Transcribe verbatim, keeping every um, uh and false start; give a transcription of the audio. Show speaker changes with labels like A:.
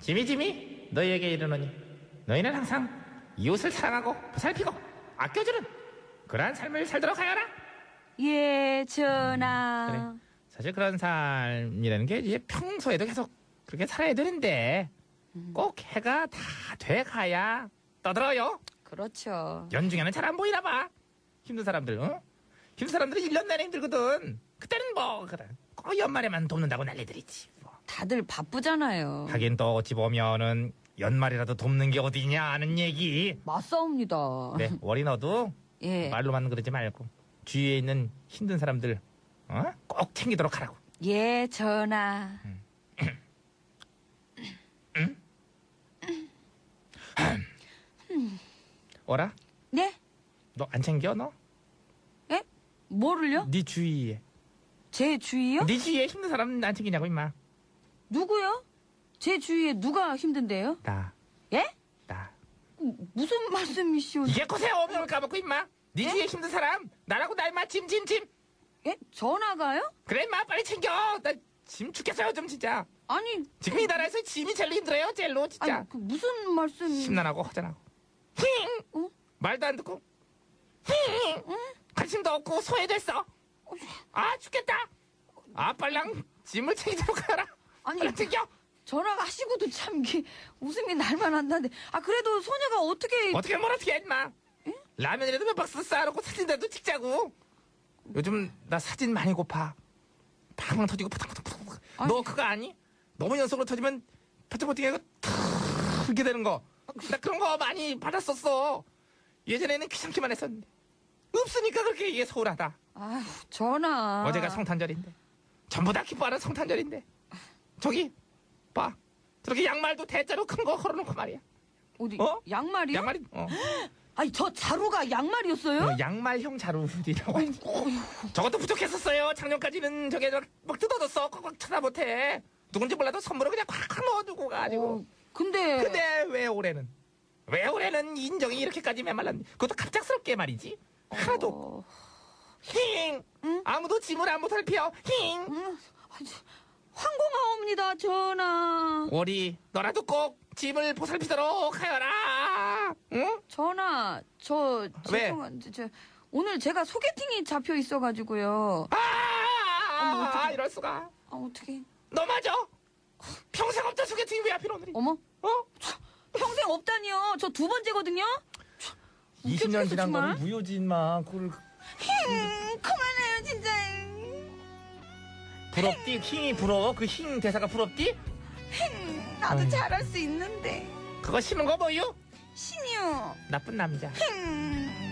A: 지미 지미 너희에게 이르노니 너희는 항상 이웃을 사랑하고 보살피고 아껴주는 그러한 삶을 살도록 하여라.
B: 예, 전하.
A: 그래. 사실 그런 삶이라는 게 이제 평소에도 계속 그렇게 살아야 되는데 꼭 해가 다 돼가야 떠들어요.
B: 그렇죠.
A: 연중에는 잘 안 보이나 봐. 힘든 사람들, 어? 힘든 사람들은 일 년 내내 힘들거든. 그때는 뭐 그래. 꼭 연말에만 돕는다고 난리들이지. 뭐.
B: 다들 바쁘잖아요.
A: 하긴 또 어찌 보면은 연말이라도 돕는 게 어디냐 하는 얘기.
B: 맞사옵니다.
A: 네, 월이 너도
B: 예.
A: 말로만 그러지 말고 주위에 있는 힘든 사람들 어? 꼭 챙기도록 하라고.
B: 예, 전하.
A: 어라?
B: 네?
A: 너 안 챙겨 너?
B: 예? 뭐를요?
A: 네 주위에.
B: 제 주위요?
A: 네 주위에 힘든 사람 안 챙기냐고 임마.
B: 누구요? 제 주위에 누가 힘든데요?
A: 나.
B: 예?
A: 나.
B: 무슨 말씀이시오?
A: 이게 코세 없는 걸 까먹고 임마. 네
B: 예?
A: 주위에 힘든 사람 나라고 나 임마 짐짐짐.
B: 예? 전화가요?
A: 그래 임마 빨리 챙겨. 나 짐 죽겠어요 좀 진짜.
B: 아니,
A: 지금 이 나라에서 짐이 제일 힘들어요 젤로 진짜.
B: 아니, 그 무슨 말씀?
A: 심란하고 허전하고. 힝.
B: 어?
A: 말도 안 듣고. 힝. 관심도 없고 소외됐어. 아 죽겠다. 아 빨랑 짐을 챙기도록 하라.
B: 아니,
A: 빨리 챙겨.
B: 전화가 하시고도 참 이게 웃음이 날만 한다는데. 아, 그래도 소녀가 어떻게?
A: 어떻게 뭘 어떻게 해 임마. 라면이라도 몇 박스 쌓아놓고 사진이라도 찍자고. 요즘 나 사진 많이 고파. 팡팡 터지고 푸탕푸탕. 너 그거 아니? 너무 연속으로 터지면 퍼팅퍼팅하고 탁 이렇게 되는 거. 나 그런 거 많이 받았었어. 예전에는 귀찮기만 했었는데 없으니까 그렇게 이게 서운하다.
B: 아휴, 전화.
A: 어제가 성탄절인데 전부 다 기뻐하는 성탄절인데 저기 봐 저렇게 양말도 대자로 큰 거 걸어놓고 말이야.
B: 어디?
A: 어?
B: 양말이요?
A: 양말이 어.
B: 아니, 저 자루가 양말이었어요?
A: 어, 양말형 자루디라고 하지. 저것도 부족했었어요. 작년까지는 저게 막, 막 뜯어졌어. 꽉꽉 쳐다 못해. 누군지 몰라도 선물을 그냥 콱콱 넣어두고 가지고.
B: 어, 근데.
A: 근데 왜 올해는? 왜 올해는 인정이 이렇게까지 메말랐니? 그것도 갑작스럽게 말이지. 하나도 없고.
B: 어...
A: 힝!
B: 응?
A: 아무도 짐을 안 보살펴. 힝!
B: 응? 황공하옵니다, 전하.
A: 월이 너라도 꼭 짐을 보살피도록 하여라. 응?
B: 전하, 저
A: 왜?
B: 죄송한데 저 오늘 제가 소개팅이 잡혀 있어가지고요.
A: 아,
B: 어머, 어떡해.
A: 아, 이럴 수가.
B: 아, 어떻게?
A: 너 맞아? 평생 없던 소개팅이 왜 하필 오늘이?
B: 어머,
A: 어?
B: 평생 없다니요. 저 두 번째거든요.
A: 이십 년
B: 웃겨
A: 지난
B: 죽겠어,
A: 거는
B: 정말.
A: 무효지 인마. 그걸
B: 힝, 그만해요, 진짜.
A: 부럽디? 힝이 부러워? 그 힝 대사가 부럽디?
B: 힝, 나도
A: 아유.
B: 잘할 수 있는데.
A: 그거 싫은 거 뭐유?
B: 신이요.
A: 나쁜 남자.
B: 힝.